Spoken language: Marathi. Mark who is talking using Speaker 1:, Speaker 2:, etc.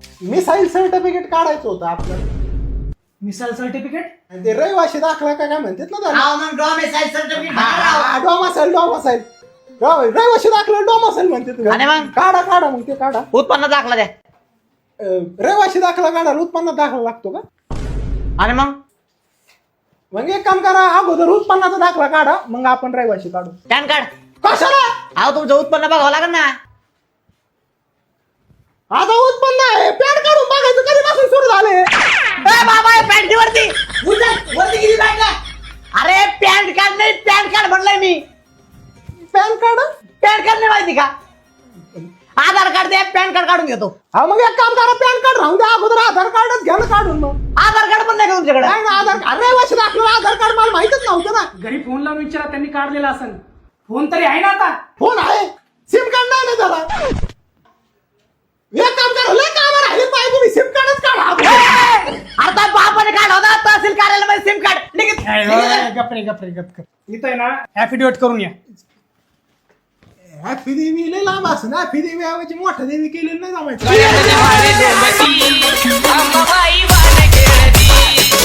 Speaker 1: मिसाईल सर्टिफिकेट काढायचं होतं आपलं.
Speaker 2: Domicile certificate?
Speaker 1: ते रहिवाशी दाखला काय म्हणतात ना त्याला.
Speaker 3: हा मग डॉमिसाईल सर्टिफिकेट
Speaker 1: डोमासाईल रहिवाशी दाखला डोमासाईल म्हणते.
Speaker 4: आणि मग?
Speaker 1: काढा मग ते काढा.
Speaker 4: उत्पन्न दाखला द्या.
Speaker 1: रहिवाशी दाखला काढायला उत्पन्न दाखला लागतो का?
Speaker 4: आणि
Speaker 1: मग एक काम करा, अगोदर उत्पन्नाचा दाखला काढा, मग आपण रहिवाशी काढू.
Speaker 4: PAN card.
Speaker 1: कशाला?
Speaker 4: अहो तुमचं उत्पन्न बघावं लागेल ना.
Speaker 1: आता उत्पन्न आहे, पॅन काढून बघायचं कधीपासून सुरू झाले.
Speaker 4: बाबा पॅन्टी वरती.
Speaker 3: वरती किती लागला?
Speaker 4: अरे पॅन कार्ड नाही, पॅन कार्ड म्हणलंय मी.
Speaker 1: PAN card?
Speaker 4: पॅन कार्ड नाही माहिती का? आधार कार्ड दे, पॅन कार्ड काढून घेतो.
Speaker 1: हा मग एक काम करा, पॅन कार्ड राहून द्या, अगोदर आधार कार्डच घ्या ना काढून. मग
Speaker 4: आधार कार्ड पण नाही का तुमच्याकडे?
Speaker 1: नाही ना, आधार कार्ड रहिवाशी दाखला आधार कार्ड मला माहितच नव्हतं ना.
Speaker 2: घरी फोन लावून विचारा, त्यांनी काढलेला असेल. फोन तरी आहे ना आता?
Speaker 1: फोन आहे, सिम कार्ड नाही ना त्याला. एक काम करा, लय काम राहिले पाहिजे, तुम्ही सिम कार्डच काढा.
Speaker 4: आता बापाने काढ होता तहसील कार्यालयामध्ये सिम कार्ड.
Speaker 2: गप्रे. इथं आहे ना ऍफिडेविट करून या.
Speaker 1: हॅपी देवी लय लांब असं ना, हॅपी देवी ऐवजी मोठा देवी केलेलं नाही जमायचं.
Speaker 5: अंबाबाई